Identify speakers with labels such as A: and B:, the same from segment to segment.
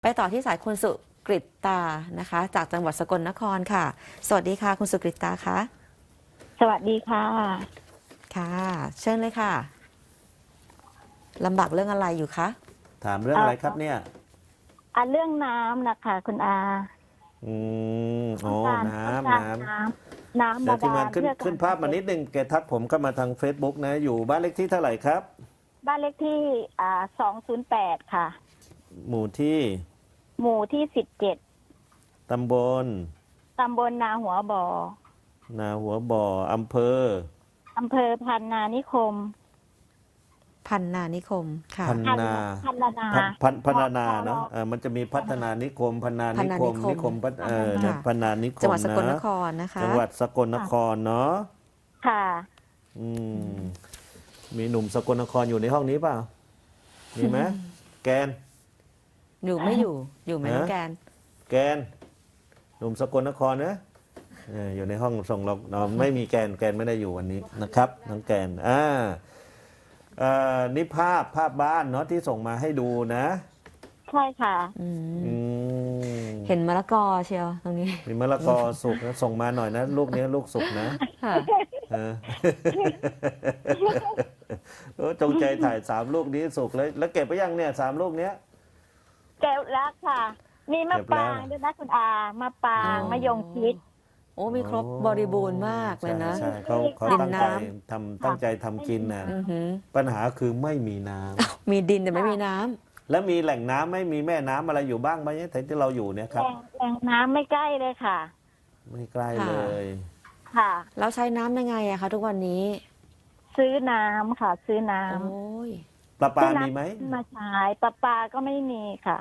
A: ไปต่อที่สายคุณสุกฤตตานะคะจากจังหวัดสกลนครค่ะสวัสดีค่ะคุณสุกฤตตาคะ
B: สวัสดีค่ะ
A: ค่ะเชิญเลยค่ะลำบากเรื่องอะไรอยู่คะ
C: ถามเรื่องอะไรครับเนี่ย
B: เรื่องน้ำนะคะคุณอา
C: อืโอ้
B: ต้องการ
C: น้
B: ต้อง
C: ำ
B: การ
C: น้
B: น้ำ
C: ำเดี๋ยวทีม
B: บาดา
C: งานขึ้น
B: ลเพื่อการ
C: ขึ้นภาพมานิดนึงแกทักผมเข้ามาทาง Facebook นะอยู่บ้านเลขที่เท่าไหร่ครับ
B: บ้านเลขที่208ค่ะ
C: หมู่ที่
B: หมู่ที่17
C: ตำบล
B: ตำบลนาหัวบ่อ
C: นาหัวบ่อ
B: อำเภอพันนานิคม
A: พันนานิคมค่ะ
C: พันนา
B: พันนา
C: พัฒนาเนาะมันจะมีพัฒนานิคมพันนานิคมนิคมเนี่ยพันนานิคม
A: จังหวัดสกลนค
C: นะ
A: รนะคะ
C: จังหวัดสกลนครเนาะ
B: ค่ะ
C: อืมมีหนุ่มสกลนครอยู่ในห้องนี้เปล่ามีไหมแกน
A: อยู่ไหมไหมน้องแกน
C: แกนหนุ่มสกลนครนะอยู่ในห้องส่งเราไม่มีแกนไม่ได้อยู่วันนี้นะครับน้องแกนนี่ภาพบ้านเนาะที่ส่งมาให้ดูนะ
B: ใช่ค่ะ
A: เห็นมะละกอเชียวตรงนี้
C: มีมะละกอสุกนะส่งมาหน่อยนะลูกนี้ลูกสุกนะจงใจถ่าย3 ลูกนี้สุกแล้วเก็บไปยังเนี่ย3 ลูกเนี้ย
B: แก้วรักค่ะมีมะปรางด้วยนะคุณอามะปรางมะยงชิด
A: โอ้มีครบบริบูรณ์มากเลยนะ
C: ใช่เขาตั้งใจทำกินนะปัญหาคือไม่มีน้
A: ำมีดินแต่ไม่มีน้
C: ำแล้วมีแหล่งน้ำไม่มีแม่น้ำอะไรอยู่บ้างไหมที่เราอยู่เนี่ยครับ
B: แหล่งน้ำไม่ใกล้เลยค่ะ
C: ไม่ใกล้เลย
B: ค่ะ
A: แล้วใช้น้ำยังไงอะคะทุกวันนี้
B: ซื้อน้ำค่ะซื้อน้ำ
A: โอ้ย
C: ประปามีไหม
B: มาใช้ประปาก็ไม่มีค่ะ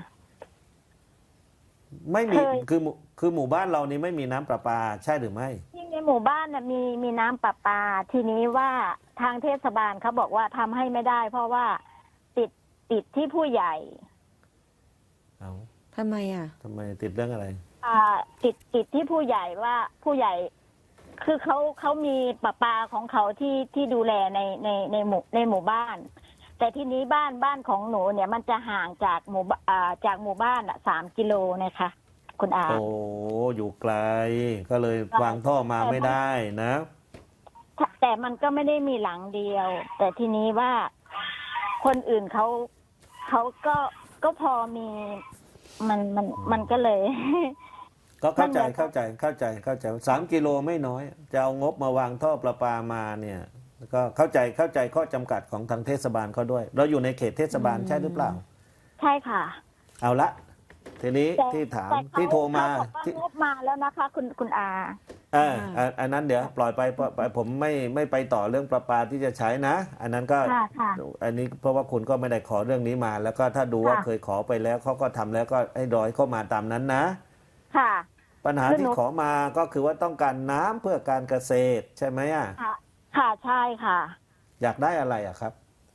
C: ไม่มีคือหมู่บ้านเรานี่ไม่มีน้ำประปาใช่หรือไม่
B: ที่ในหมู่บ้านน่ะมีน้ำประปาทีนี้ว่าทางเทศบาลเขาบอกว่าทำให้ไม่ได้ เพราะว่าติดที่ผู้ใหญ่
C: เอา
A: ทำไมอ่ะ
C: ทำไมติดเรื่องอะไร
B: ติดที่ผู้ใหญ่ว่าผู้ใหญ่ คือเขามีประปาของเขาที่ดูแลในหมู่บ้าน แต่ทีนี้บ้านของหนูเนี่ยมันจะห่างจากหมู่บ้าน3 กิโลนะคะคุณอา
C: โอ้อยู่ไกลก็เลยวางท่อมาไม่ได้นะ
B: แต่มันก็ไม่ได้มีหลังเดียวแต่ทีนี้ว่าคนอื่นเขาก็พอมีมันก็เลย
C: ก็เข้าใจ3 กิโลไม่น้อยจะเอางบมาวางท่อประปามาเนี่ยก็เข้าใจข้อจำกัดของทางเทศบาลเขาด้วยเราอยู่ในเขตเทศบาลใช่หรือเปล่า
B: ใช่ค่ะ
C: เอาละทีนี้ที่ถามที่โทรมา
B: ที่งบมาแล้วนะคะคุณอา
C: อันนั้นเดี๋ยวปล่อยไปผมไม่ไปต่อเรื่องประปาที่จะใช้นะอันนั้นก็อันนี้เพราะว่าคุณก็ไม่ได้ขอเรื่องนี้มาแล้วก็ถ้าดูว่าเคยขอไปแล้วเขาก็ทำแล้วก็ให้รอยเข้ามาตามนั้นนะ
B: ค่ะ
C: ปัญหาที่ขอมาก็คือว่าต้องการน้ำเพื่อการเกษตรใช่ไหม
B: ค่ะใช่ค่ะ
C: อยากได้อะไรครับ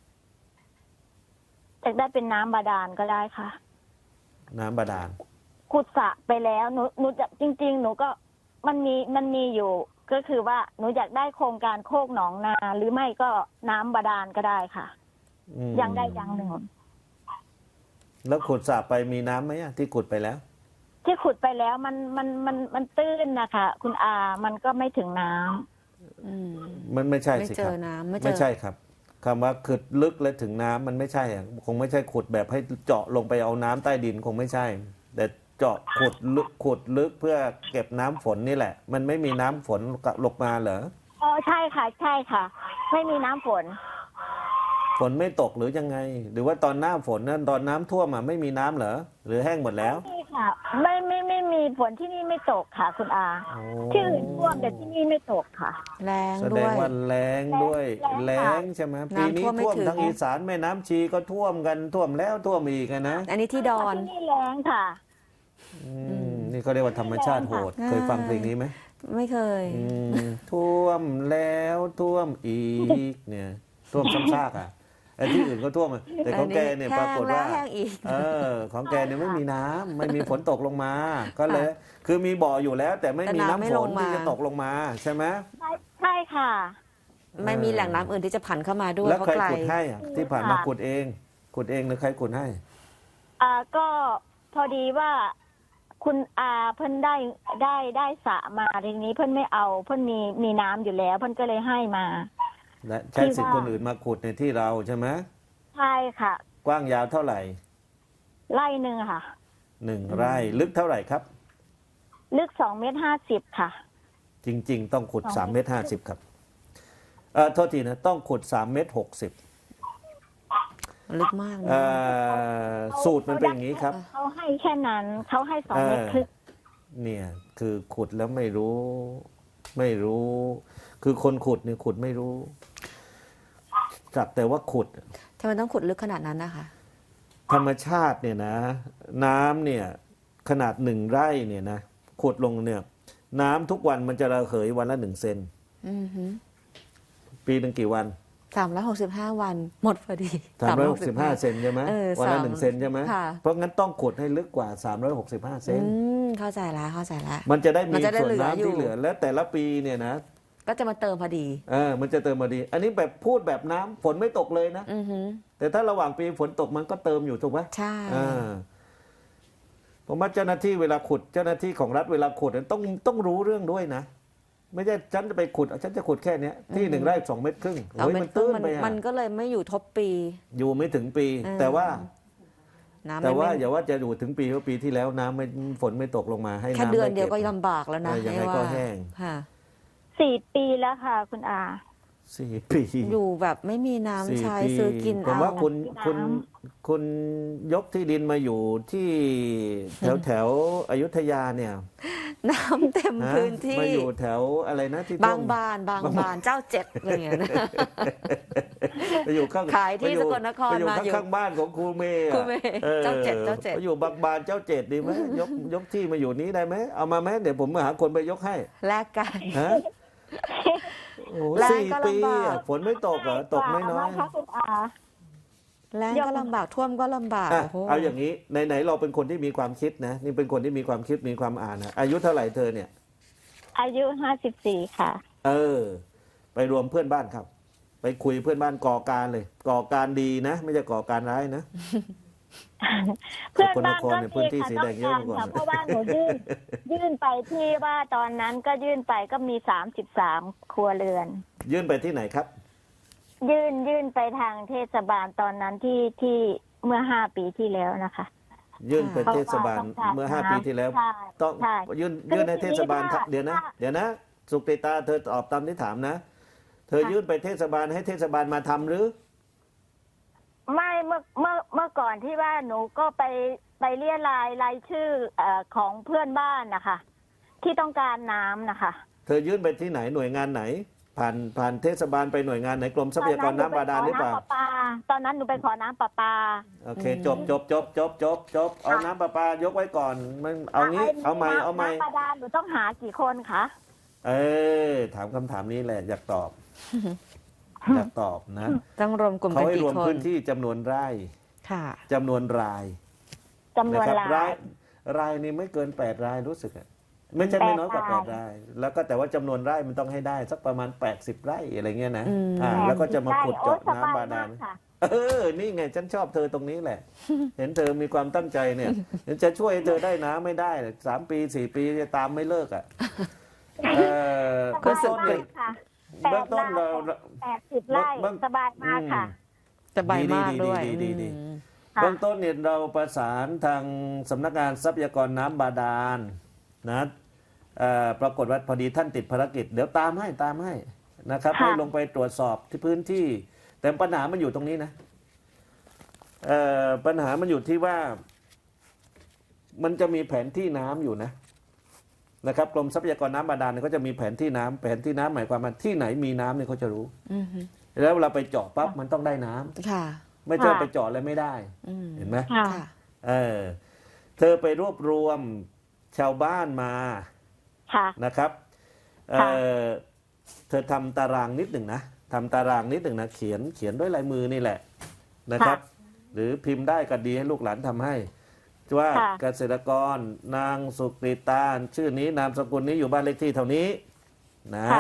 B: อยากได้เป็นน้ำบาดาลก็ได้ค่ะ
C: น้ำบาดาล
B: ขุดสระไปแล้วหนูจะจริงๆหนูก็มันมีอยู่ก็คือว่าหนูอยากได้โครงการโคกหนองนาหรือไม่ก็น้ำบาดาลก็ได้ค่ะยังได้ยังหนึ่ง
C: แล้วขุดสระไปมีน้ำไหมที่ขุดไปแล้ว
B: ที่ขุดไปแล้วมันตื้นนะคะคุณอามันก็ไม่ถึงน้ำ
C: มันไม่ใช่สิครับไม่ใช่ครับคำว่าขุดลึกและถึงน้ำมันไม่ใช่คงไม่ใช่ขุดแบบให้เจาะลงไปเอาน้ำใต้ดินคงไม่ใช่แต่เจาะขุดลึกเพื่อเก็บน้ำฝนนี่แหละมันไม่มีน้ำฝนลงมาเหรอ
B: ใช่ค่ะไม่มีน้ำฝน
C: ไม่ตกหรือยังไงหรือว่าตอนหน้าฝนนั้นตอนน้ำท่วมไม่มีน้ำเหรอหรือแห้งหมดแล้ว
B: ไม่มีค่ะไม่มีฝนที่นี่ไม่ตกค่ะคุณอาที่อื่นท่วมแต่ที่นี่ไม่ตกค่ะ
A: แรงด้วย
C: แสดงว่าแรงด้วยแรงใช่ไหมปีนี้ท่วมทั้งอีสานแม่น้ำชีก็ท่วมกันท่วมแล้วท่วมอีกนะ
A: อันนี้ที่ดอน
B: ที่นี่แรงค่ะ
C: นี่เขาเรียกว่าธรรมชาติโหดเคยฟังเพลงนี้ไหม
A: ไม่เคย
C: ท่วมแล้วท่วมอีกเนี่ยท่วมซ้ำซากไอ้ที่อื่นก็ท่วมแต่ของแกเนี่ยปรากฏว่าของแกเนี่ยไม่มีน้ำไม่มีฝนตกลงมาก็เลยคือมีบ่ออยู่แล้วแต่ไม่มีน้ำฝนที่จะตกลงมาใช่ไหม
B: ใช่ค่ะ
A: ไม่มีแหล่งน้ำอื่นที่จะผ่านเข้ามาด้วย
C: แล้วใครขุดให้ที่ผ่านมาขุดเองหรือใครขุดให้
B: ก็พอดีว่าคุณอาเพิ่นได้สระมาทีนี้เพิ่นไม่เอาเพิ่นมีน้ำอยู่แล้วเพิ่นก็เลยให้มา
C: และใช้สิทธิ์คนอื่นมาขุดในที่เราใช่ไหม
B: ใช่ค่ะ
C: กว้างยาวเท่าไหร่
B: ไร่หนึ่งค่ะ
C: 1 ไร่ลึกเท่าไหร่ครับ
B: ลึก2.50 เมตรค่ะ
C: จริง ๆ ต้องขุด3.50 เมตรครับโทษทีนะต้องขุด3.60 เมตร
A: ลึกมากนะ
C: สูตรมันเป็นอย่างนี้ครับ
B: เขาให้แค่นั้นเขาให้2.5 เมตร
C: เนี่ยคือขุดแล้วไม่รู้ คือคนขุดเนี่ยขุดไม่รู้จักแต่ว่าขุด
A: ทำไมต้องขุดลึกขนาดนั้นนะคะ
C: ธรรมชาติเนี่ยนะ น้ำเนี่ยขนาด1 ไร่เนี่ยนะขุดลงเนี่ยน้ำทุกวันมันจะระเหยวันละ1 เซน
A: อือหือ
C: ปีหนึ่งกี่วัน
A: 365 วันหมดพอดี
C: 365 เซนใช่ไหม วันละ1 เซนใช่ไหม
A: ค่ะ
C: เพราะงั้นต้องขุดให้ลึกกว่า365 เซน
A: เข้าใจแล้ว
C: มันจะได้มี
A: มันจะได้
C: ส่วน
A: เหลืออยู่
C: น้ำที่เหลือ และแต่ละปีเนี่ยนะ
A: ก็จะมาเติมพอดี
C: มันจะเติมมาดี อันนี้แบบพูดแบบน้ำฝนไม่ตกเลยนะ
A: อือหือ
C: แต่ถ้าระหว่างปีฝนตกมันก็เติมอยู่ถูกไหม
A: ใช่
C: ผมว่าเจ้าหน้าที่เวลาขุดเจ้าหน้าที่ของรัฐเวลาขุดเนี่ยต้องรู้เรื่องด้วยนะ ไม่ใช่ฉันจะไปขุดฉันจะขุดแค่เนี้ยที่1 ไร่ 2 เมตรครึ่ง
A: เอา
C: โอ้ย
A: เม็
C: มั
A: ด
C: น
A: ครึ่
C: ตื้
A: ง
C: นไปอะ
A: มันก็เลยไม่อยู่ทบปี
C: อยู่ไม่ถึงปี แต่ว่า
A: น้ำ
C: แต่ว่า
A: ไม่
C: อย่าว่าจะอยู่ถึงปีเพราะปีที่แล้วน้ำไม่ฝนไม่ตกลงมาให้
A: แค่
C: น้ำ
A: เดือน
C: ไก็บ
A: เดียวก็ลำบากแล้วนะ
C: ยังไงก็แห้ง
A: ค่ะ
B: 4 ปีแล้วค่ะ คุณอา
C: 4 ปี
A: อยู่แบบไม่มีน้ำ
C: 4
A: ใช้
C: ปี
A: ซื้อกิน
C: ผม
A: เอา
C: ว่าคุณ
B: น้ำ
C: คุณยกที่ดินมาอยู่ที่แถวอยุธยาเนี่ย
A: น้ำเต็ม
C: ฮะ
A: พื้นที่
C: มาอยู่แถวอะไรนะที่
A: บาง
C: ท่วม
A: บานเจ้าเจ็ดอะไรอย่างเงี้ยนะ
C: ไปอยู่ข้าง
A: ขายที่
C: ไปอ
A: สกลนคร
C: ไปอยู่
A: มาอยู่
C: ข้างๆบ้านของครูเมย์อะ
A: ครูเมย์เจ้าเจ็ด
C: ไปอยู่บางบานเจ้าเจ็ดดีไหมยกที่มาอยู่นี้ได้ไหมเอามาไหมเดี๋ยวผมมาหาคนไปยกให้
A: แลกกัน
C: ฮะโอ้โห
A: แรง
C: สี่
A: ก็
C: ปี
A: ลำบาก
C: อะฝนไม่ตกเหรอตกไม่น้อย
B: ค่ะคุณอา
A: แรงก็ลำบากท่วมก็ลำบาก
C: อ่ะ
A: โอ้โห
C: เอาอย่างนี้ไหนๆเราเป็นคนที่มีความคิดนะนี่เป็นคนที่มีความคิดมีความอ่านนะอายุเท่าไหร่เธอเนี่ย
B: อายุ54 ค่ะ
C: ไปรวมเพื่อนบ้านครับ ไปคุยเพื่อนบ้านก่อการเลย ก่อการดีนะ ไม่ใช่ก่อการร้ายนะ
B: เพื่อนบ้าน
C: สกลนคร
B: ก็
C: เนี่ยพื้นที่สีแดงเยอะ
B: ต้อง
C: มาก่อน
B: ค่ะเพราะว่าหนูยื่นไปที่ว่าตอนนั้นก็ยื่นไปก็มี33 ครัวเรือน
C: ยื่นไปที่ไหนครับ
B: ยื่นไปทางเทศบาลตอนนั้นที่เมื่อ5 ปีที่แล้วนะคะ
C: ยื่นไปเทศบาล
B: เพราะว่าต้องการ
C: เมื่อ5 ปีที่แล้ว
B: ใช่
C: ต้อง
B: ใช่
C: ยื่นในเทศบาลครับ
B: คือ
C: เดี๋ยวนะสุกติตาเธอตอบตามที่ถามนะ เธอยื่นไปเทศบาลให้เทศบาลมาทำหรือ
B: ไม่เมื่อก่อนที่ว่าหนูก็ไปเรียรายชื่อของเพื่อนบ้านนะคะที่ต้องการน้ำนะคะ
C: เธอยื่นไปที่ไหนหน่วยงานไหน ผ่านเทศบาลไปหน่วยงานไหนกรมทรัพยากรน้ำบาดาลหรือเปล่า
B: ตอนนั้นหนูไปขอน้ำประปา
C: โอเคจบเอาน้ำประปายกไว้ก่อนมันเอางี้เอาใหม่
B: น้ำบาดาลหนูต้องหากี่คนคะ
C: ถามคำถามนี้แหละอยากตอบ อยากตอบนะ
A: ต้องรวมกลุ่ม
C: เขา
A: กัน
C: ให้
A: กี่
C: รวม
A: คน
C: พื้นที่จำนวนไร่
A: ค่ะ
C: จำนวนราย
B: จำนวน
C: นะครับ
B: ราย
C: รายนี่ไม่เกิน8 รายรู้สึกอะไม่ใช่ไม่น้อยกว่า
B: 8 ราย
C: 8 ราย แล้วก็แต่ว่าจำนวนไร่มันต้องให้ได้สักประมาณ80 ไร่อะไรเงี้ยนะ
A: อืม
C: แล้วก็จะมาขุดเจาะ
B: โอ้ยส
C: น้ำบาดาล
B: มกค่ะ
C: นี่ไงฉันชอบเธอตรงนี้แหละ เห็นเธอมีความตั้งใจเนี่ยจะช่วยให้เธอได้น้ำไม่ได้3 ปี4 ปีจะตามไม่เลิกอ่ะเบื้องต้นเนี่ย
B: ค่ะ
C: เบื้องต้นเรา
B: 80 ไร่สบายมากค่ะ
A: สบายมากด้วย
C: ดี
A: อืม
B: ค่ะ
C: เบื้องต้นเนี่ยเราประสานทางสำนักงานทรัพยากรน้ำบาดาลนะปรากฏว่าพอดีท่านติดภารกิจเดี๋ยวตามให้นะครับ
B: ค่ะ
C: ให้ลงไปตรวจสอบที่พื้นที่ แต่ปัญหามันอยู่ตรงนี้นะปัญหามันอยู่ที่ว่ามันจะมีแผนที่น้ำอยู่นะครับกรมทรัพยากรน้ำบาดาลเนี่ยเขาจะมีแผนที่น้ำหมายความว่าที่ไหนมีน้ำเนี่ยเขาจะรู้
A: อืม
C: แล้วเวลาไปเจาะปั๊บมันต้องได้น้ำ
A: ค่ะ
C: ไม่ใช่
B: ค่ะ
C: ไปเจาะแล้วไม่ได้
A: อืม
C: เห็นไหม
B: ค่ะ
A: ค่ะ
C: เธอไปรวบรวมชาวบ้านมา
B: ค่ะ
C: นะครับ
B: ค่ะ
C: เธอทำตารางนิดหนึ่งนะเขียนด้วยลายมือนี่แหละนะครับ หรือพิมพ์ได้ก็ดีให้ลูกหลานทำให้ว่า
B: ค่ะ
C: เกษตรกรนางสุกริตาชื่อนี้นามสกุลนี้อยู่บ้านเลขที่เท่านี้นะ
B: ค่ะ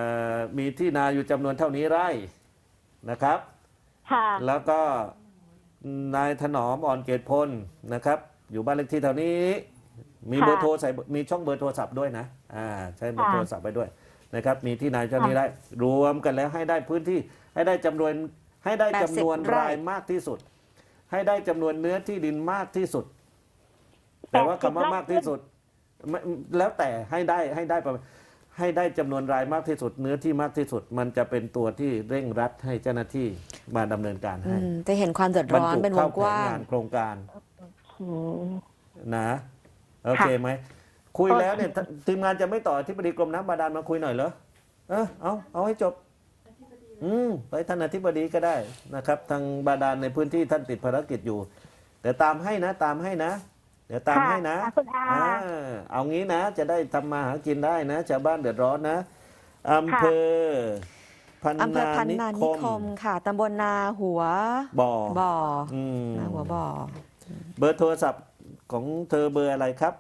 C: มีที่นาอยู่จำนวนเท่านี้ไร่นะครับ
B: ค่ะ
C: แล้วก็นายถนอมอ่อนเกตพลนะครับ อยู่บ้านเลขที่แถวนี้ มี
B: ค่ะ
C: เบอร์โทรใส่มีช่องเบอร์โทรศัพท์ด้วยนะใช้เบอร์
B: ค่ะ
C: โทรศัพท์ไปด้วยนะครับ มีที่นายเจ้านี้ได้ รวมกันแล้วให้ได้พื้นที่ให้ได้จำนวน
A: 80 ไร่
C: รายมากที่สุด ให้ได้จำนวนเนื้อที่ดินมากที่สุด แต่ว่าคำว่ามากที่สุดไม่แล้วแต่ให้ได้ประมาณให้ได้จำนวนรายมากที่สุด เนื้อที่มากที่สุด มันจะเป็นตัวที่เร่งรัดให้เจ้าหน้าที่มาดำเนินการให้
A: จะเห็นความเดือด
C: บรร
A: ร้อน
C: จุ
A: เป็นว
C: เข้าง แผ
A: ก
C: น
A: ว้าง
C: งานโครงการ
B: อืม
C: นะโอเคไหมคุยแล้วเนี่ยทีมงานจะไม่ต่ออธิบดีกรมน้ำบาดาลมาคุยหน่อยเหรอเอาให้จบไปท่านอธิบดีก็ได้นะครับ ทางบาดาลในพื้นที่ท่านติดภารกิจอยู่แต่ตามให้นะเดี๋ยวตามให้นะ
B: ค่ะคุณอา
C: เอางี้นะ จะได้ทำมาหากินได้นะชาวบ้านเดือดร้อนนะอำเภอพัน
A: อำเภอ
C: นา
A: พัน
C: นิ
A: นา
C: ค
A: นิค
C: ม
A: มค่ะตำบลนาหัว
C: บ่อ
A: บ่อ
C: อืม
A: นาหัวบ่อ
C: เบอร์โทรศัพท์ของเธอเบอร์อะไรครับ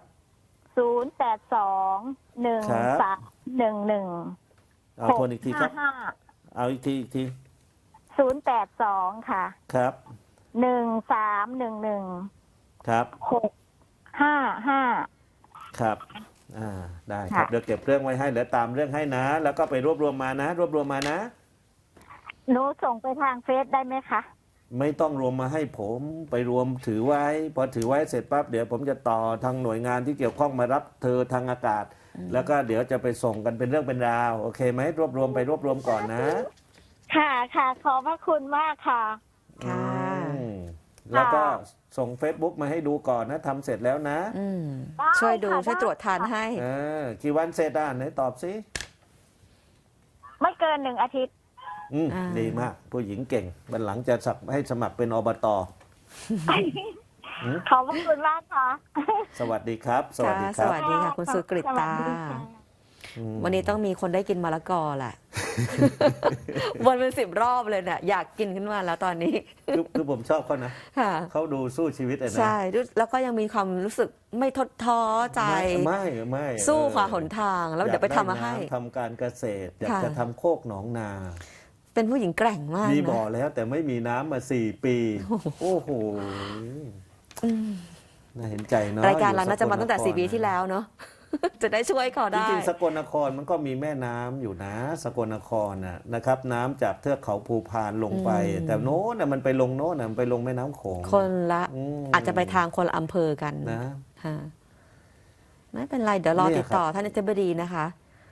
B: 082-131-1
C: เอาทวนอีกทีครับ เอาอีกที
B: 082ค่ะ
C: ครับ
B: 1311
C: ครับ
B: 655
C: ครับได้ครับ เดี๋ยวเก็บเรื่องไว้ให้เดี๋ยวตามเรื่องให้นะ แล้วก็ไปรวบรวมมานะ
B: หนูส่งไปทางเฟซได้ไหมคะ
C: ไม่ต้องรวมมาให้ผมไปรวมถือไว้ พอถือไว้เสร็จปั๊บเดี๋ยวผมจะต่อทางหน่วยงานที่เกี่ยวข้องมารับเธอทางอากาศ แล้วก็เดี๋ยวจะไปส่งกันเป็นเรื่องเป็นราวโอเคไหมรวบรวมก่อนนะ
B: ค่ะ ขอบพระคุณมากค่ะ
A: ค่ะ
C: อืมแล้วก็ส่ง Facebook มาให้ดูก่อนนะทำเสร็จแล้วนะ
B: ได้
A: ช่วยดู
B: ค่ะ
A: ช่วยตรวจทานให้
C: กี่วันเสร็จไหนตอบสิ
B: ไม่เกิน1 อาทิตย์
A: อ่า
C: ดีมากผู้หญิงเก่งวันหลังจะให้สมัครเป็นอบต
B: ขอบพระคุณมากค่ะ
C: สวัสดีครับ สวัสดีค
A: ส
C: รับ
A: วัสดีค่ะคุณสุกฤตา
B: สวัสดีค่ะ
A: วันนี้ต้องมีคนได้กินมะละกอแหละ วนเป็น10 รอบเลยเนี่ยอยากกินขึ้นมาแล้วตอนนี้
C: คือผมชอบเขานะ
A: ค่ะ
C: เขาดูสู้ชีวิตเลยนะ
A: ใช่แล้วก็ยังมีความรู้สึกไม่ท้อท้อใจ
C: ไม่
A: สู้ขวาหนทางแล้วเดี๋ยวไปทำมาให้
C: อยกได้น้ำทำการเกษตร อยาก
A: ค่ะ
C: จะทำโคกหนองนา
A: เป็นผู้หญิงแกร่งมาก
C: มีบ่อ
A: นะ
C: แล้วแต่ไม่มีน้ำมา4 ปี โอ้โหน่าเห็นใจเนาะ
A: รายการเราน่าจะมาตั้งแต่
C: อยู่
A: 4 ปีที่แล้วเนาะ จะได้ช่วยเขา
C: จ
A: ได้
C: ริงๆสกลนครมันก็มีแม่น้ำอยู่นะ สกลนครนะครับ น้ำจากเทือกเขาภูพานลงไป แต่โน้นมันไปลงโน้นมันไปลงแม่น้ำโขง
A: คนละ
C: ม
A: อาจจะไปทางคนละอำเภอกัน
C: นะ
A: ค่ะไม่เป็นไรเดี๋ยวรอ
C: เนี่ย
A: ติดต่อท่านอธิบดีนะคะ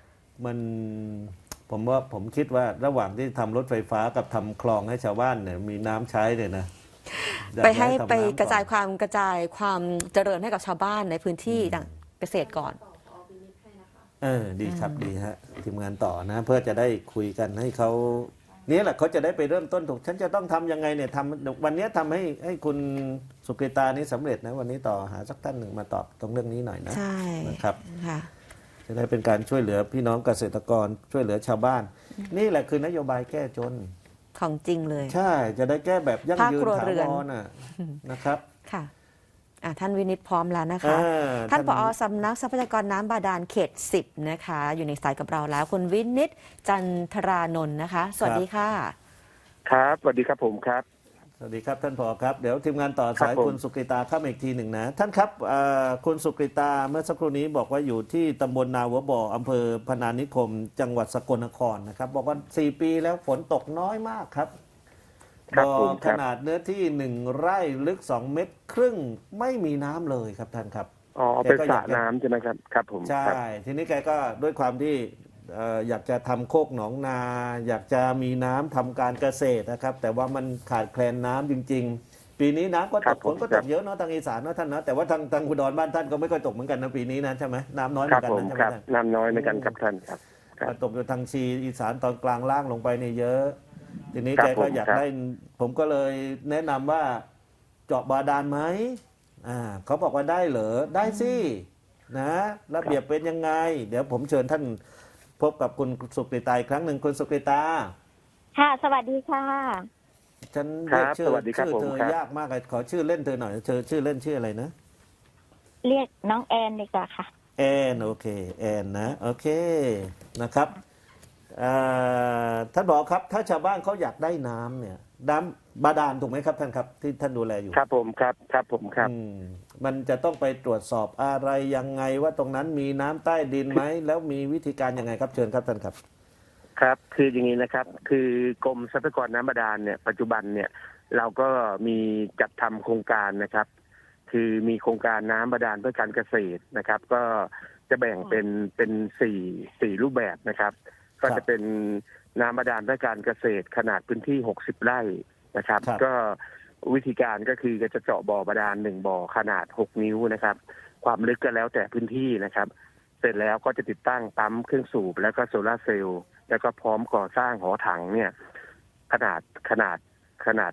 C: ผมคิดว่าระหว่างที่ทำรถไฟฟ้ากับทำคลองให้ชาวบ้านเนี่ยมีน้ำใช้เนี่ยนะอยาก
A: ไปให้
C: ทำ
A: ไป
C: น้ำ
A: กระจาย
C: อน
A: ความเจริญให้กับชาวบ้านในพื้นที่ดังเกษตรก่อน
C: ดีครับดีฮะทีมงานต่อนะ เพื่อจะได้คุยกันให้เขานี่แหละเขาจะได้ไปเริ่มต้นถูก ฉันจะต้องทำยังไงเนี่ยวันนี้ทำให้คุณสุกฤตานี้สำเร็จนะ วันนี้ต่อหาสักท่านหนึ่งมาตอบตรงเรื่องนี้หน่อยนะ
A: ใช่
C: นะครับ
A: ค่ะ
C: จะได้เป็นการช่วยเหลือพี่น้องเกษตรกรช่วยเหลือชาวบ้าน นี่แหละคือนโยบายแก้จน
A: ของจริงเลย
C: ใช่จะได้แก้แบบยั่งยืน
A: ภาคครัว
C: ถา
A: เรื
C: ว
A: อน
C: รนะครับ
A: ค่ะท่านวินิตพร้อมแล้วนะคะ ท่านผอสำนักทรัพยากรน้ำบาดาลเขต 10 นะคะ อยู่ในสายกับเราแล้ว คุณวินิตจันทรานนท์นะคะ สวัสดีค่ะ
D: ครับสวัสดีครับผมครับ
C: สวัสดีครับท่านผอครับเดี๋ยวทีมงานต่อสาย
D: ครับผม
C: คุณสุกฤตาเข้ามาอีกทีหนึ่งนะท่านครับคุณสุกฤตาเมื่อสักครู่นี้บอกว่าอยู่ที่ตำบลนาหัวบ่ออำเภอพนานิคม จังหวัดสกลนครนะครับบอกว่า4 ปีแล้วฝนตกน้อยมากครับ
D: ครับ
C: บ่อ
D: ผมค
C: ข
D: รับ
C: นาดเนื้อที่1 ไร่ลึก2 เมตรครึ่งไม่มีน้ำเลยครับท่านครับ
D: อ๋อเป็นสระน้ำใช่ไหมครับครับผม
C: ใช่
D: ครับ
C: ทีนี้แกก็ด้วยความที่อยากจะทำโคกหนองนา อยากจะมีน้ำทำการเกษตรนะครับ แต่ว่ามันขาดแคลนน้ำจริง ๆ ปีนี้น้ำก็
D: ครั
C: ต
D: บ
C: ก
D: ผ
C: ฝ
D: ม
C: นก็
D: ค
C: ต
D: รับ
C: กเยอะเนาะทางอีสานเนาะท่านเนาะแต่ว่าทางอุดรบ้านท่านก็ไม่ค่อยตกเหมือนกันนะปีนี้นะใช่ไหมน้ำน้อยเห
D: ค
C: มื
D: รั
C: อบ นกัน
D: ผม
C: นะใช่ไห
D: ค
C: ม
D: รับ
C: ท่าน
D: น้ำน้อยในกันครับท่านครับครับ
C: ตกอยู่ทางชีอีสานตอนกลางล่างลงไปเนี่ยเยอะ ทีนี้
D: ครั
C: แก
D: บ
C: ก็
D: ผม
C: อยาก
D: ครับ
C: ได้ผมก็เลยแนะนำว่าเจาะบาดาลไหมเขาบอกว่าได้เหรอได้สินะระเบียบเป็นยังไง เดี๋ยวผมเชิญท่านพบกับคุณสุกฤตาอีกครั้งหนึ่งคุณสุกฤตา
B: ค่ะ สวัสดีค่ะ
C: ฉัน
D: ครั
C: เรียก
D: บ
C: ชื่อ
D: สวัสดีครับ
C: ชื่อ
D: ผม
C: เธอ
D: ครับ
C: ยากมากเลยขอชื่อเล่นเธอหน่อยเธอชื่อเล่นชื่ออะไรนะ
B: เรียกน้องแอนดีกว่าค่ะ
C: แอนโอเคแอนนะโอเคนะครับท่านบอกครับถ้าชาวบ้านเขาอยากได้น้ำเนี่ยน้ำบาดาลถูกไหมครับท่านครับที่ท่านดูแลอยู่
D: ครับผมครับครับผมครับ
C: อืมมันจะต้องไปตรวจสอบอะไรยังไงว่าตรงนั้นมีน้ำใต้ดินไหมแล้วมีวิธีการยังไงครับเชิญครับท่านครับ
D: ครับคืออย่างนี้นะครับคือกรมทรัพยากรน้ำบาดาลเนี่ยปัจจุบันเนี่ยเราก็มีจัดทำโครงการนะครับ คือมีโครงการน้ำบาดาลเพื่อการเกษตรนะครับ ก็จะแบ่งเป็นสี่รูปแบบนะครับ ก็จะเป็นน้ำบาดาลเพื่อการเกษตรขนาดพื้นที่60 ไร่นะครับ
C: ครับ
D: ก็วิธีการก็คือจะเจาะบ่อบาดาล1 บ่อขนาด6 นิ้วนะครับ ความลึกก็แล้วแต่พื้นที่นะครับ เสร็จแล้วก็จะติดตั้งปั๊มเครื่องสูบแล้วก็โซลาร์เซลล์แล้วก็พร้อมก่อสร้างหอถังเนี่ยขนาด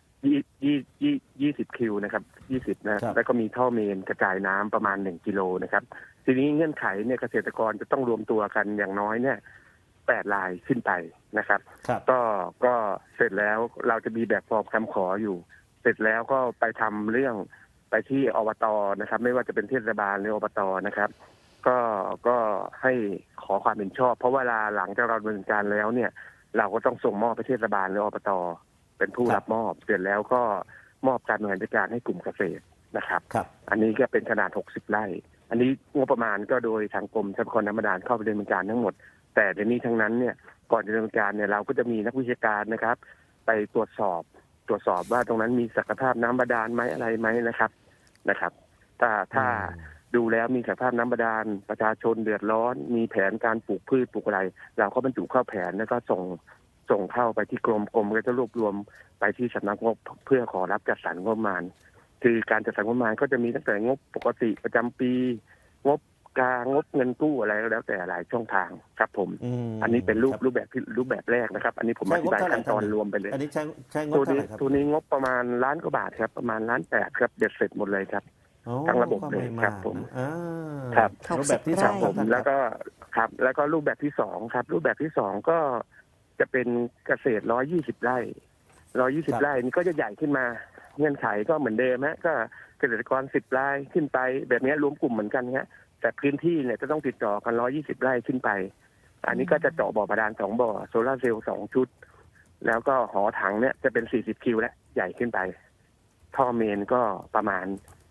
D: 20 คิวนะครับ20นะครับ แล้วก็มีท่อเมนกระจายน้ำประมาณ1 กิโลนะครับ ทีนี้เงื่อนไขเนี่ยเกษตรกรจะต้องรวมตัวกันอย่างน้อยเนี่ย8 รายขึ้นไปนะครับ
C: ครับ
D: ก็เสร็จแล้วเราจะมีแบบฟอร์มคำขออยู่ เสร็จแล้วก็ไปทำเรื่องไปที่อบตนะครับ ไม่ว่าจะเป็นเทศบาลหรืออบตนะครับ ก็ให้ขอความเห็นชอบ เพราะเวลาหลังจากเราดำเนินการแล้วเนี่ย เราก็ต้องส่งมอบไปเทศบาลหรืออบตเป็นผู้รับมอบ เสร็จแล้วก็มอบการบริหารจัดการให้กลุ่มเกษตรนะครับ
C: ครับ
D: อันนี้ก็เป็นขนาด60 ไร่ อันนี้งบประมาณก็โดยทางกรมทรัพยากรน้ำบาดาลเข้าไปดำเนินการทั้งหมด แต่ในนี้ทั้งนั้นเนี่ยก่อนจะดำเนินการเนี่ยเราก็จะมีนักวิชาการนะครับ ไปตรวจสอบว่าตรงนั้นมีศักยภาพน้ำบาดาลไหมอะไรไหมนะครับ ถ้าดูแล้วมีศักยภาพน้ำบาดาลประชาชนเดือดร้อน มีแผนการปลูกพืชปลูกอะไร เราก็บรรจุเข้าแผนแล้วก็ส่งเข้าไปที่กรมก็จะรวบรวมไปที่สำนักงบเพื่อขอรับจัดสรรงบประมาณ คือการจัดสรรงบประมาณก็จะมีตั้งแต่งบปกติประจำปี งบกลางงบเงินกู้อะไรก็แล้วแต่หลายช่องทางครับผม อันนี้เป็นรูปแบบแรกนะครับ อันนี้ผมอธิบายขั้นตอนรวมไปเลย
C: อันนี้ใช้งบเท่าไหร่ครับ
D: ตัวนี้งบประมาณ1 ล้านกว่าบาทครับประมาณ1.8 ล้านครับเบ็ดเสร็จหมดเลยครับ
C: โอ้
D: ทั้งระบบเลย
C: ก็ไ
D: ครับผม
C: อ่า
D: ครับ
C: รูปแบบที่
A: 60
C: สอง
D: ผม
C: ครับ
D: แล้วก็ครับแล้วก็รูปแบบที่2ครับรูปแบบที่2ก็จะเป็นเกษตร120 ไร่120 ไร่นี่ก็จะใหญ่ขึ้นมาเงื่อนไขก็เหมือนเดิมฮะก็เกษตรกร10 รายขึ้นไปแบบนี้รวมกลุ่มเหมือนกันฮะแต่พื้นที่เนี่ยจะต้องติดต่อกัน120 ไร่ขึ้นไป อันนี้ก็จะเจาะบ่อบาดาล2 บ่อโซลาร์เซลล์2 ชุด แล้วก็หอถังเนี่ยจะเป็น40 คิวและใหญ่ขึ้นไป ท่อเมนก็ประมาณ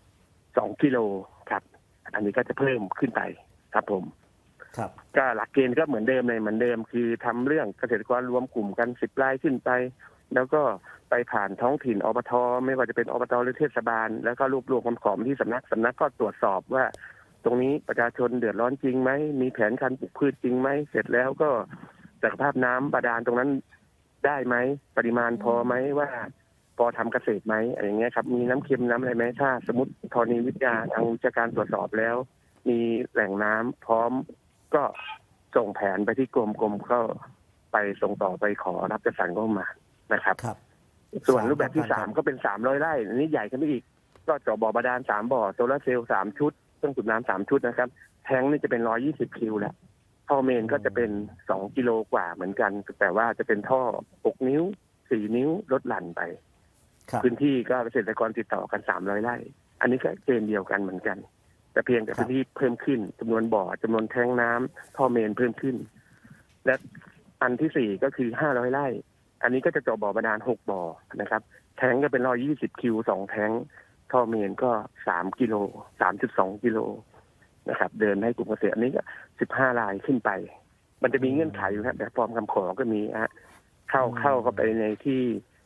D: 2 กิโลครับ อันนี้ก็จะเพิ่มขึ้นไปครับผม
C: ครับ
D: ก็หลักเกณฑ์ก็เหมือนเดิมเลยเหมือนเดิม คือทำเรื่องเกษตรกรรวมกลุ่มกัน10 รายขึ้นไป แล้วก็ไปผ่านท้องถิ่นอบตไม่ว่าจะเป็นอบตหรือเทศบาล แล้วก็รวบรวมคำขอมาที่สำนักก็ตรวจสอบว่า ตรงนี้ประชาชนเดือดร้อนจริงไหมมีแผนการปลูกพืชจริงไหมเสร็จแล้วก็ศักยภาพน้ำบาดาลตรงนั้นได้ไหมปริมาณพอไหมว่าพอทำเกษตรไหมอะไรอย่างเงี้ยครับมีน้ำเค็มน้ำอะไรไหมถ้าสมมติธรณีวิทยาทางวิชาการตรวจสอบแล้ว มีแหล่งน้ำพร้อมก็ส่งแผนไปที่กรมก็ไปส่งต่อไปขอรับจัดสรรงบประมาณนะครับ
C: ครับ
D: ส่วนรูปแบบที่
C: ครับ
D: 3ก็เป็น300 ไร่อันนี้ใหญ่ขึ้นไปอีก ก็เจาะบ่อบาดาล3 บ่อโซลาร์เซลล์3 ชุดเครื่องสูบน้ำ3 ชุดนะครับแทงนี่จะเป็น120 คิวแหละท่อเมนก็จะเป็น2 กิโลกว่าเหมือนกัน แต่ว่าจะเป็นท่อ6 นิ้ว4 นิ้วลดหลั่นไป
C: ครับ
D: พื้นที่ก็เกษตรกรติดต่อกัน300 ไร่ อันนี้ก็เกณฑ์เดียวกันเหมือนกัน แต่เพียงแต่พื้นที่เพิ่มขึ้นจำนวนบ่อจำนวนแทงน้ำท่อเมนเพิ่มขึ้น และอันที่4ก็คือ500 ไร่ อันนี้ก็จะเจาะบ่อบาดาล6 บ่อนะครับ แทงก็เป็น120 คิว2 แทงท่อเมนก็3 กิโล 3.2 กิโลนะครับ เดินให้กลุ่มเกษตรอันนี้ก็15 รายขึ้นไป มันจะมีเงื่อนไขอยู่ครับแบบฟอร์มคำขอก็มีฮะเข้าไปในที่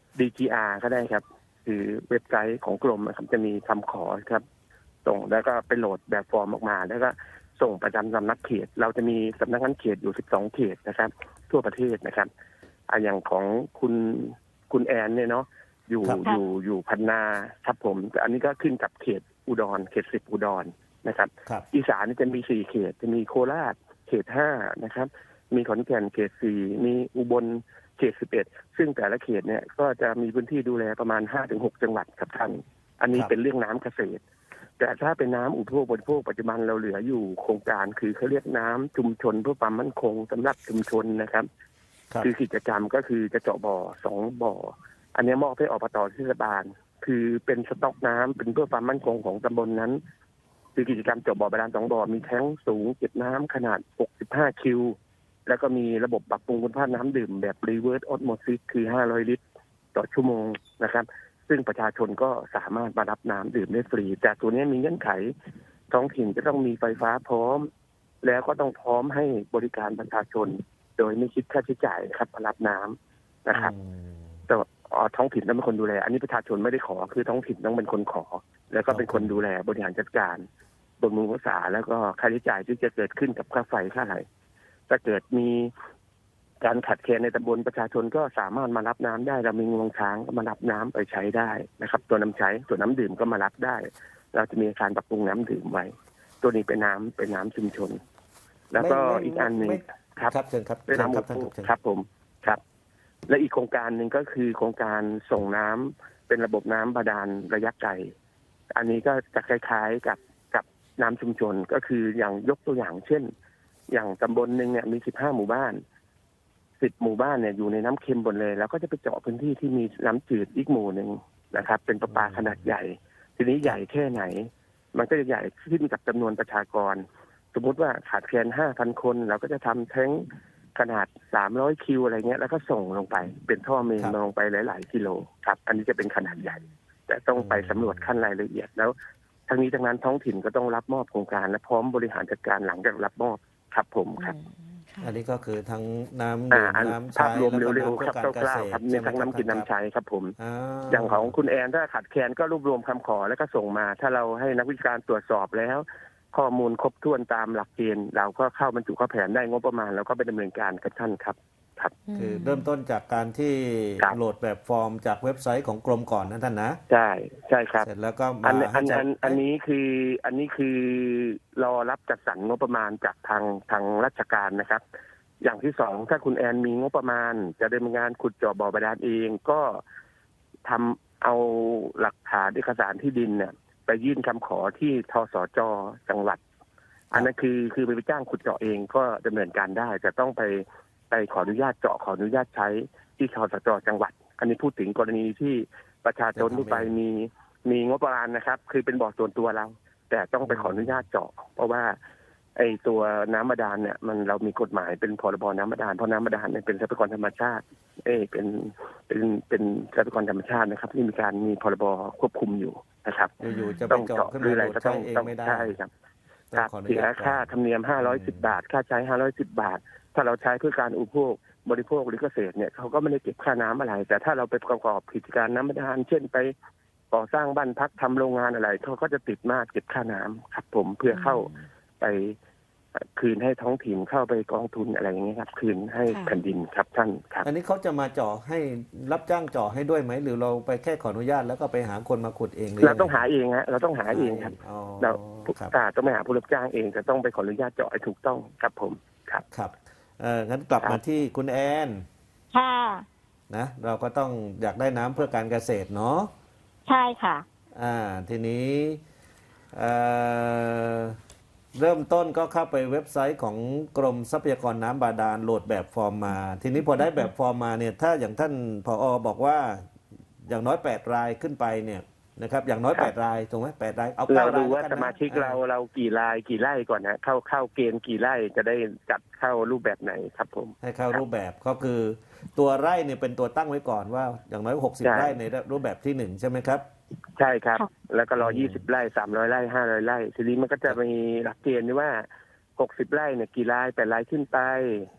D: DGR ก็ได้ครับ คือเว็บไซต์ของกรมนะครับจะมีคำขอครับส่งแล้วก็ไปโหลดแบบฟอร์มออกมา แล้วก็ส่งประจำสำนักเขต เราจะมีสำนักงานเขตอยู่12 เขตนะครับ ทั่วประเทศนะครับอย่างของคุณแอนเนี่ยเนาะอยู่พันนาครับผมแต่อันนี้ก็ขึ้นกับเขตอุดรเขต10 อุดรนะครับ
C: ครับ
D: อีสานนี่จะมี4 เขตจะมีโคราชเขต5นะครับ มีขอนแก่นเขต4มีอุบลเขต11ซึ่งแต่ละเขตเนี่ยก็จะมีพื้นที่ดูแลประมาณ 5-6 จังหวัดครับท่านอันนี้เป็นเรื่องน้ำเกษตร แต่ถ้าเป็นน้ำอุปโภคบริโภคปัจจุบันเราเหลืออยู่โครงการคือเขาเรียกน้ำชุมชนเพื่อความมั่นคงสำหรับชุมชนนะครับ
C: ครับ
D: คือกิจกรรมก็คือจะเจาะบ่อ2 บ่อ อันนี้มอบให้อบต.เทศบาล คือเป็นสต็อกน้ำเป็นเพื่อความมั่นคงของตำบลนั้น คือกิจกรรมเจาะบ่อบาดาล2 บ่อมีแท้งสูงเก็บน้ำขนาด65 คิว แล้วก็มีระบบปรับปรุงคุณภาพน้ำดื่มแบบ reverse osmosis คือ500 ลิตรต่อชั่วโมงนะครับ ซึ่งประชาชนก็สามารถมารับน้ำดื่มได้ฟรีแต่ตัวนี้มีเงื่อนไขท้องถิ่นจะต้องมีไฟฟ้าพร้อม แล้วก็ต้องพร้อมให้บริการประชาชน โดยไม่คิดค่าใช้จ่ายนะครับมารับน้ำนะครับแต่ท้องถิ่นต้องเป็นคนดูแลอันนี้ประชาชนไม่ได้ขอคือท้องถิ่นต้องเป็นคนขอ แล้วก็เป็นคนดูแลบริหารจัดการบำรุงรักษาแล้วก็ค่าใช้จ่ายที่จะเกิดขึ้นกับค่าไฟค่าอะไรถ้าเกิดมีการขัดแคลนในตำบลประชาชนก็สามารถมารับน้ำได้เรามีงวงช้างก็มารับน้ำไปใช้ได้นะครับตัวน้ำใช้ส่วนน้ำดื่มก็มารับได้ เราจะมีการปรับปรุงน้ำดื่มไว้ตัวนี้เป็นน้ำชุมชน แล้วก็อีกอันหนึ่งครับ
C: ครับเชิญครับ
D: เป็นน้ำอุปโภคครับผมครับ และอีกโครงการหนึ่งก็คือโครงการส่งน้ำเป็นระบบน้ำบาดาลระยะไกลอันนี้ก็จะคล้ายๆกับน้ำชุมชนก็คืออย่างยกตัวอย่างเช่น อย่างตำบลหนึ่งเนี่ยมี15หมู่บ้าน10หมู่บ้านเนี่ยอยู่ในน้ำเค็มหมดเลยแล้วก็จะไปเจาะพื้นที่ที่มีน้ำจืดอีกหมู่หนึ่งนะครับ เป็นประปาขนาดใหญ่ ทีนี้ใหญ่แค่ไหน มันก็จะใหญ่ขึ้นกับจำนวนประชากร สมมติว่าขาดแคลน 5,000 คนเราก็จะทำแท้งขนาด300คิวอะไรเงี้ยแล้วก็ส่งลงไปเป็นท่อเมนลงไปหลายๆกิโลครับ อันนี้จะเป็นขนาดใหญ่ แต่ต้องไปสำรวจขั้นรายละเอียดแล้วทั้งนี้ทั้งนั้นท้องถิ่นก็ต้องรับมอบโครงการและพร้อมบริหารจัดการหลังจากรับมอบครับผมครับ
C: อันนี้ก็คือทั้งน้ำดื่มน้ำใช้
D: ภาพรวม
C: แล้วก็
D: เร็ว
C: น้ำ
D: ๆ
C: เพื่
D: ค
C: อ
D: รับ
C: การเก
D: คร่า
C: ษ
D: ว
C: ตร
D: ๆครับมีทั้งน้ำกินน้ำใช้ครับผม
C: า
D: อย่างของคุณแอนถ้าขาดแคลนก็รวบรวมคำขอแล้วก็ส่งมา ถ้าเราให้นักวิชาการตรวจสอบแล้ว ข้อมูลครบถ้วนตามหลักเกณฑ์เราก็เข้าบรรจุเข้าแผนได้งบประมาณเราก็ไปดำเนินการกับท่านครับครับ
C: คือเริ่มต้นจากการที่
D: ครับ
C: โหลดแบบฟอร์มจากเว็บไซต์ของกรมก่อนนะท่านนะ
D: ใช่ใช่ครับ
C: เสร็จแล้วก็
D: อั
C: มาน ให้จัด
D: อันนี้คือรอรับจัดสรรงบประมาณจากทางราชการนะครับ อย่างที่สองถ้าคุณแอนมีงบประมาณ จะดำเนินงานขุดเจาะบ่อบาดาลเองก็ทำเอาหลักฐานเอกสารที่ดินเนี่ย ไปยื่นคำขอที่ทสจจังหวัด อันนั้นคือไปจ้างขุดเจาะเองก็ดำเนินการได้จะต้องไปขออนุญาตเจาะขออนุญาตใช้ที่ทสจจังหวัด อันนี้พูดถึงกรณีที่ประชาชนทั่วไปมีงบประมาณนะครับ คือเป็นบ่อส่วนตัวเรา แต่ต้องไปขออนุญาตเจาะ เพราะว่าไอ้ตัวน้ำบาดาลเนี่ยมันเรามีกฎหมายเป็นพรบน้ำบาดาลเพราะน้ำบาดาลเนี่ยเป็นทรัพยากรธรรมชาติเป็นทรัพยากรธรรมชาตินะครับ ที่มีพรบควบคุมอยู่นะครับ
C: อยู่ๆจะไป
D: ต้อง
C: เจาะ
D: เจาะ
C: ขึ้น
D: หรือ
C: มา
D: อะไร
C: โหลด
D: ก็
C: ใช้
D: ต้อง
C: เองไม่ได้
D: ใช่ครับ
C: ต้องขออนุ
D: เสีย
C: ญาตก่อน
D: ค่าธรรมเนียม510 บาท ค่าใช้ 510 บาท ถ้าเราใช้เพื่อการอุปโภคบริโภคหรือเกษตรเนี่ยเขาก็ไม่ได้เก็บค่าน้ำอะไร แต่ถ้าเราไปประกอบกิจการน้ำบาดาลเช่นไปก่อสร้างบ้านพักทำโรงงานอะไรเขาก็จะติดมาตรเก็บค่าน้ำครับผมเพื่อเข้าไปคืนให้ท้องถิ่นเข้าไปกองทุนอะไรอย่างเงี้ยครับคืนให้แผ่นดินครับท่านครับ
C: อันนี้เขาจะมาเจาะให้รับจ้างเจาะให้ด้วยไหมหรือเราไปแค่ขออนุญาตแล้วก็ไปหาคนมาขุดเองหรือ
D: เราต้องหาเองฮะเราต้องหาเองครับ
C: อ๋อ
D: เรา
C: ครับ
D: ต้องไปหาผู้รับจ้างเองจะต้องไปขออนุญาตเจาะให้ถูกต้องครับผมครับ
C: ครับงั้นกลับมาที่คุณแอน
B: ค่ะ
C: นะเราก็ต้องอยากได้น้ำเพื่อการเกษตรเนาะ
B: ใช่ค่ะ
C: ทีนี้เอ่อเริ่มต้นก็เข้าไปเว็บไซต์ของกรมทรัพยากรน้ำบาดาลโหลดแบบฟอร์มมา ทีนี้พอได้แบบฟอร์มมาเนี่ยถ้าอย่างท่านผอบอกว่าอย่างน้อย8รายขึ้นไปเนี่ยนะครับอย่างน้อย8รายถูกไหม8รายเอา
D: เรา
C: 9ราย
D: ดูว่า
C: แล้วกัน
D: ส
C: นะ
D: มาชิกเรากี่รายกี่ไร่ก่อนนะเข้าเกณฑ์กี่ไร่จะได้จัดเข้ารูปแบบไหนครับผม
C: ให้เข้ารูปแบบก็คือตัวไร่เนี่ยเป็นตัวตั้งไว้ก่อนว่าอย่างน้อย60
D: ใช่
C: ไร่ในรูปแบบที่1ใช่ไหมครับ
D: ใช่ครับ
B: ค่ะ
D: แล้วก็รอ
C: อืม
D: 20 ไร่ 300 ไร่ 500 ไร่ ทีนี้มันก็จะมีหลักเกณฑ์ที่ว่า 60 ไร่เนี่ยกี่ไร่8ไร่ขึ้นไป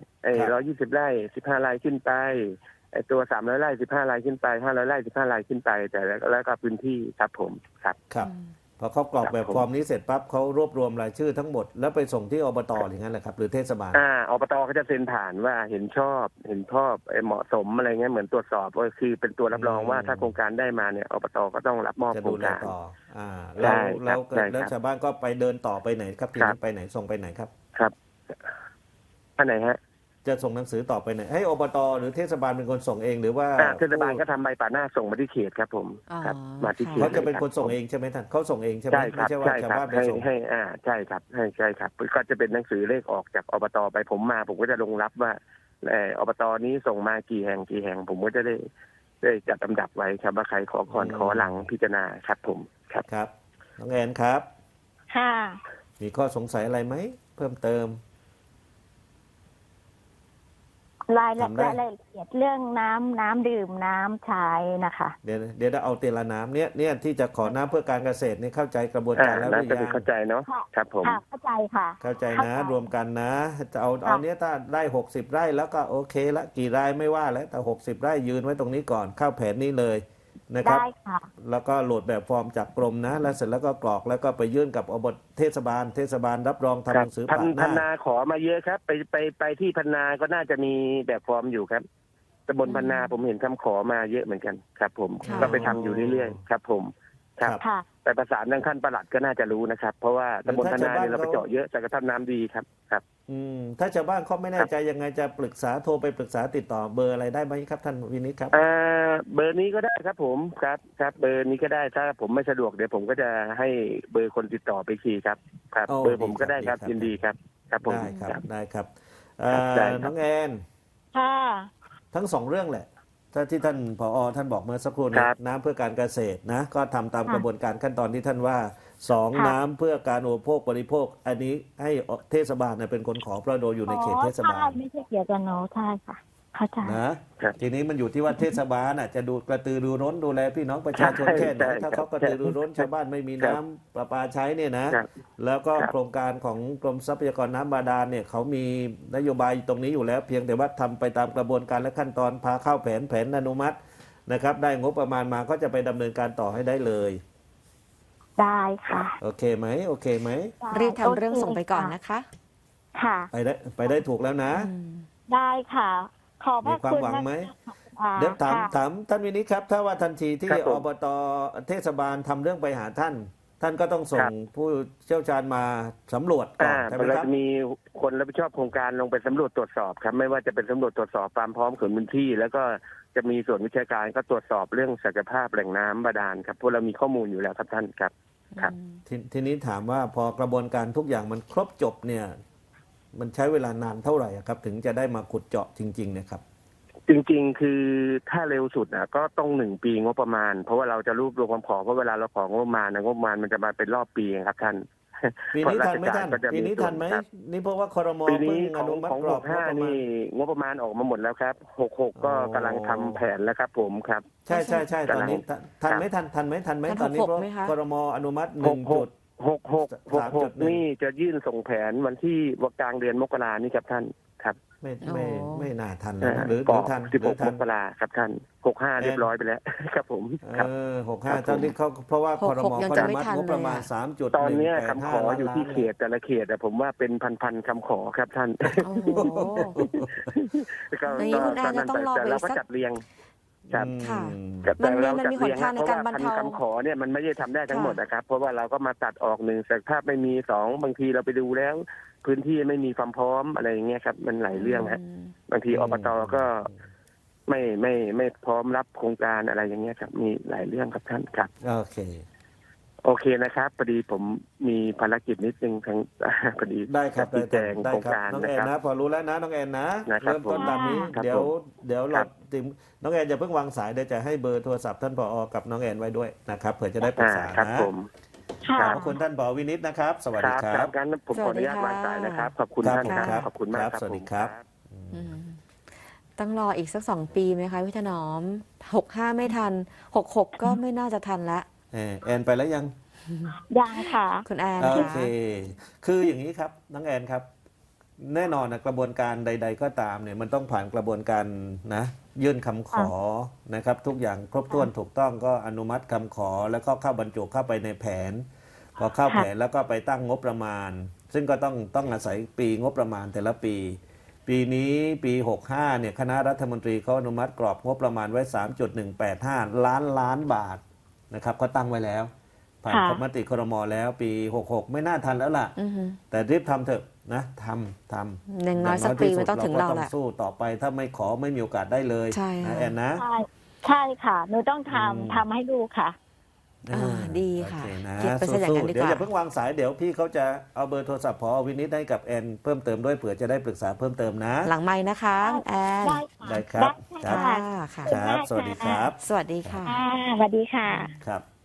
D: 120 ไร่ 15 ไร่ขึ้นไปไอ้ตัว300 ไร่ 15 ไร่ขึ้นไป500 ไร่ 15 ไร่ขึ้นไปแต่แล้วก็พื้นที่ครับผมครับ
C: ครับพอเขากรอกแบบฟอร์มนี้เสร็จปั๊บเขารวบรวมรายชื่อทั้งหมดแล้วไปส่งที่อบตอย่างนั้นแหละครับหรือเทศบาล
D: อบตก็จะเซ็นผ่านว่าเห็นชอบเหมาะสมอะไรเงี้ยเหมือนตรวจสอบก็คือเป็นตัวรับรองว่าถ้าโครงการได้มาเนี่ยอบตก็ต้องรับมอบ
C: จะ
D: โคร
C: ดู
D: ง
C: แล
D: การ
C: ต่อ
D: ใช่
C: แล้ว
D: ครับใช่ครับ
C: แล้วชาวบ้านก็ไปเดินต่อไปไหนครับที
D: ครั
C: นี้
D: บ
C: ไปไหนส่งไปไหนครับ
D: ครับอันไหนฮะ
C: จะส่งหนังสือต่อไปไหนให้อบตหรือเทศบาลเป็นคนส่งเองหรือว่า
D: เทศบาลก็ทำใบป่าหน้าส่งมาที่เขตครับผม
A: อ๋อ
D: ครับมาที่เขต
C: เขาจะเป็นคนส่ง
D: ลย
C: เองใช่ไหมท่านเขาส่งเองใช่ไหม
D: ใช่ค
C: ไม่
D: รับ
C: ใช่ว่า
D: ใช่
C: ชาว
D: ครับ
C: บ้านไป
D: ให้
C: ส่ง
D: ให้ใช่ครับใช่ครับก็จะเป็นหนังสือเลขออกจากอบตไปผมมาผมก็จะลงรับว่าอบตนี้ส่งมากี่แห่งผมก็จะได้จัดลำดับไว้ครับว่าใครขอก่อนขอหลังพิจารณาครับผมครับ
C: ครับน้องแอนครับ
B: ค่ะ
C: มีข้อสงสัยอะไรไหมเพิ่มเติม
B: รายละ
C: ทำได้
B: รายละเอียดเรื่องน้ำดื่มน้ำใช้นะคะ
C: เดี๋ยวเอาเตละน้ำเนี่ยที่จะขอน้ำเพื่อการเกษตรนี่เข้าใจกระบวนการแล้วห
D: น่า
C: รือ
D: จะ
C: ยัง
D: เข้าใจเนาะครับผม
B: ค่ะเข้าใจค่ะ
C: เข้าใจ
B: เข้า
C: นะ
B: ใจ
C: รวมกันนะ จะเอาเนี้ยถ้าได้60 ไร่แล้วก็โอเคละกี่ไร่ไม่ว่าแล้วแต่60 ไร่ยืนไว้ตรงนี้ก่อนเข้าแผนนี้เลยนะครับ
B: ได้ค่ะ
C: แล้วก็โหลดแบบฟอร์มจากกรมนะแล้วเสร็จแล้วก็กรอกแล้วก็ไปยื่นกับอบตเทศบาลรับรองทำหนังสือ
D: พั
C: ปะห
D: น
C: น้า
D: นาขอมาเยอะครับ ไปที่พันนาก็น่าจะมีแบบฟอร์มอยู่ครับตำบลพันนาผมเห็นคำขอมาเยอะเหมือนกันครับผม
A: ค่ะ
D: ก็ไปทำอยู่เรื่อยๆครับผมครับ
B: ค่ะ
D: ไปประสานทางขั้นปลัดก็น่าจะรู้นะครับ เพราะว่าตำบลพันนาเนี่ยเราไปเจาะเยอะแต่กระทั่งน้ำดีครับครับ
C: ถ้าชาวบ้านเขาไม่แน่ใจยังไงจะปรึกษาโทรไปปรึกษาติดต่อเบอร์อะไรได้ไหมครับท่านวินิจครับ
D: เบอร์นี้ก็ได้ครับผมครับเบอร์นี้ก็ได้ถ้าผมไม่สะดวกเดี๋ยวผมก็จะให้เบอร์คนติดต่อไปทีครับ
C: โอ้
D: เบอร์ผมก็ได้ครับ
C: ดีครับ
D: ยินดีครับครับผม
C: ได้ครับได้ครับ
D: ได้ครับ
C: น้องแอน
B: ค่ะ
C: ทั้งสองเรื่องแหละถ้าที่ท่านผอท่านบอกเมื่อสักครู่นี้น้ำเพื่อการเกษตรนะก็ทำตามกระบวนการขั้นตอนที่ท่านว่าสองน้ำเพื่อการอุปโภคบริโภค อันนี้ให้เทศบาลเป็นคนขอเพราะโดยอยู่ในเขตเทศบาล
B: ใช่ไม่ใช่เกี่ยวกับโน้ใช่ค่ะ เข้าใจ
C: นะทีนี้มันอยู่ที่ว่าเทศบาลจะดูกระตือรือร้นดูแลพี่น้องประชาชนแค่ไหนถ้าเขากระตือรือร้นชาวบ้านไม่มีน้ำประปาใช้เนี่ยนะครับ แล้วก็โครงการของกรมทรัพยากรน้ำบาดาลเนี่ยเขามีนโยบายตรงนี้อยู่แล้วเพียงแต่ว่าทำไปตามกระบวนการและขั้นตอนพาเข้าแผนอนุมัตินะครับได้งบประมาณมาก็จะไปดำเนินการต่อให้ได้เลย
B: ได้ค่ะ
C: โอเคไหมโอเคไหม
A: รีบทำเรื่องส่งไปก่อนนะคะ
B: ค่ะ
C: ไปได้ถูกแล้วนะ
B: ได้ค่ะ ขอบพ
C: มี
B: ระ
C: ความ
B: คุณ
C: หวัง
B: นะ
C: ไหม
B: ค่ะ
C: เดี๋ยวถาม
B: ค่ะ
C: ท่านวินิจครับถ้าว่าทันทีที่
D: ครับผม
C: อบตเทศบาลทำเรื่องไปหาท่าน ท่านก็ต้องส่ง
D: ครับ
C: ผู้เชี่ยวชาญมาสำรวจก่อนใช่ไหม
D: เรา
C: ครับ
D: จะมีคนรับผิดชอบโครงการลงไปสำรวจตรวจสอบครับ ไม่ว่าจะเป็นสำรวจตรวจสอบความพร้อมของพื้นที่ แล้วก็จะมีส่วนวิชาการก็ตรวจสอบเรื่องศักยภาพแหล่งน้ำบาดาลครับเพราะเรามีข้อมูลอยู่แล้วครับท่านครับ ครับ
C: ทีนี้ถามว่าพอกระบวนการทุกอย่างมันครบจบเนี่ย มันใช้เวลานานเท่าไหร่อะครับ ถึงจะได้มาขุดเจาะจริงๆเนี่ยครับ
D: จริงๆ คือถ้าเร็วสุดก็ต้อง1 ปีงบประมาณ เพราะว่าเราจะรวบรวมความขอเพราะเวลาเราของงบประมาณงบประมาณมันจะมาเป็นรอบปีครับท่าน
C: ปีนี้ทันไหมท่าน
D: ก็จะ
C: ปีนี้ทันไหม
D: ครับ
C: นี่เพราะว่าครม
D: ปีนี้
C: เพิ่ง
D: ข
C: อ
D: อง
C: นุมัติ
D: ของ
C: กรอบงบประ
D: 65
C: มาณ
D: นี่งบประมาณออกมาหมดแล้วครับ66ก็กำลังทำแผนแล้วครับผมครับ
C: ใช่ตอนนี้ทันไหมทันไหม
A: ทัน
C: ตอนนี้
A: 66
C: เพราะ
A: ไหมคะ
C: ครมอนุมัติ1 จุด
D: 66นี่จะยื่นส่งแผนวันที่กลางเดือนมกรานี่ครับท่านครับ
C: ไม่น่าทันแล้วนะหรือ
D: ปอก
C: ทัน
D: 16 มกราครับท่าน65เรียบร้อยไปแล้ว ครับผมครับ
C: 65ตอนนี้เขาเพราะว่าครม
A: ยัง
C: เขา
A: จะ
C: อนุ
A: ไม่
C: มัติ
A: ทัน
C: งบประมาณ
A: เลยอะ
C: 3.185
D: ตอนเนี้ยคำขออยู่ที่
C: ล้าน
D: เขตแต่ละเขตผมว่าเป็นพันคำขอครับท่าน
A: โอ้โห อย่างนี้คุณแอนจะต้องรอไป
D: แต่เราก็
A: สัก
D: จัดเรียงครับ
A: ค่ะ
D: แต่เรา
A: มันมี
D: จัดเรียง
A: หนทางในการบรรเทา
D: พะว่พันคำขอเนี่ยมันไม่ได้ทำได้ทั้งหมดนะครับ เพราะว่าเราก็มาตัดออก1ศักยภาพไม่มี2บางทีเราไปดูแล้ว พื้นที่ไม่มีความพร้อมอะไรอย่างเงี้ยครับมันหลายเรื่องฮะบางทีอบตก็ไม่พร้อมรับโครงการอะไรอย่างเงี้ยครับมีหลายเรื่องครับท่านครับ
C: โอเค
D: โอเคนะครับพอดีผมมีภารกิจนิดนึงทาง พอดี
C: ได้ครับ
D: ชี้แจง
C: ได้
D: โครง
C: ครับ
D: การ
C: น้อง
D: นะ
C: แอ
D: คน รับ
C: นะพอรู้แล้วนะน้องแอนนะ
D: นะครับ
C: เริ่มต้นตามนี้
D: ครับ
C: เดี๋ยว
D: ผม
C: เดี๋ยว
D: ครั
C: เรา
D: บ
C: ติมน้องแอนอย่าเพิ่งวางสายเดี๋ยวจะให้เบอร์โทรศัพท์ท่านผอกับน้องแอนไว้ด้วยนะครับเผื่อจะได้ปรึกษา
D: ครับ
C: นะ
D: ผม
B: ค่ะ
C: ขอบคุณท่านผอวินิจนะครับ สวัสดีค
D: ค
C: รั
D: รับ บงั้นผมขออนุญาตวางสายนะครับ ขอบคุณท่านครับขอบคุณมากครับ
C: สวัสดีครับ
A: อืมต้องรออีกสัก2 ปีไหมคะพี่ถนอม 65 ไม่ทัน 66 ก็ไม่น่าจะทันละ
C: แอนไปแล้วยัง
B: ยังค่ะ
A: คุณแอน
C: โอ
A: ค่ะ
C: เค คืออย่างนี้ครับน้องแอนครับ แน่นอนนะกระบวนการใด ๆ ก็ตามเนี่ยมันต้องผ่านกระบวนการนะยื่นคำขอนะครับ ทุกอย่างครบถ้วนถูกต้องก็อนุมัติคำขอแล้วก็เข้าบรรจุเข้าไปในแผน พอเข้าแผนแล้วก็ไปตั้งงบประมาณ ซึ่งก็ต้องอาศัยปีงบประมาณแต่ละปี ปีนี้ปี 65เนี่ยคณะรัฐมนตรีเขาอนุมัติกรอบงบประมาณไว้ 3.185 ล้านบาทนะครับก็ตั้งไว้แล้วผ่าน
B: ค่ะ
C: มติครมแล้วปี 66 ไม่น่าทันแล้วล่ะ
A: อือหือ
C: แต่รีบทำเถอะนะทำ
A: อย่างน้อยสักปีมันต้องถึงเรา
C: ก็
A: แห
C: ต้
A: ละ
C: สู้ต่อไปถ้าไม่ขอไม่มีโอกาสได้เลย
A: ใช่ค่ะ
C: นะแอนนะ
B: ใช่ใช่ค่ะหนูต้องทำให้ลูกค่ะ
A: ดีค่ะ
C: โอเนะ
A: เก็บไปซะอย่างนั้นดีกว่า
C: เดี๋ยวอย่าเพิ่งวางสายเดี๋ยวพี่เขาจะเอาเบอร์โทรศัพท์พอวินิจให้กับแอนเพิ่มเติมด้วยเผื่อจะได้ปรึกษาเพิ่มเติมนะ
A: หลังไม้นะคะคุณแอน
B: ได้ค่ะ
C: ได้ครับ
B: ได้
A: ค่ะ
B: ค่ะ
A: ค่ะ
C: ครับ สวัสดีครับ
A: สวัสดีค่ะ
B: สวัสดีค่ะ
C: ครับ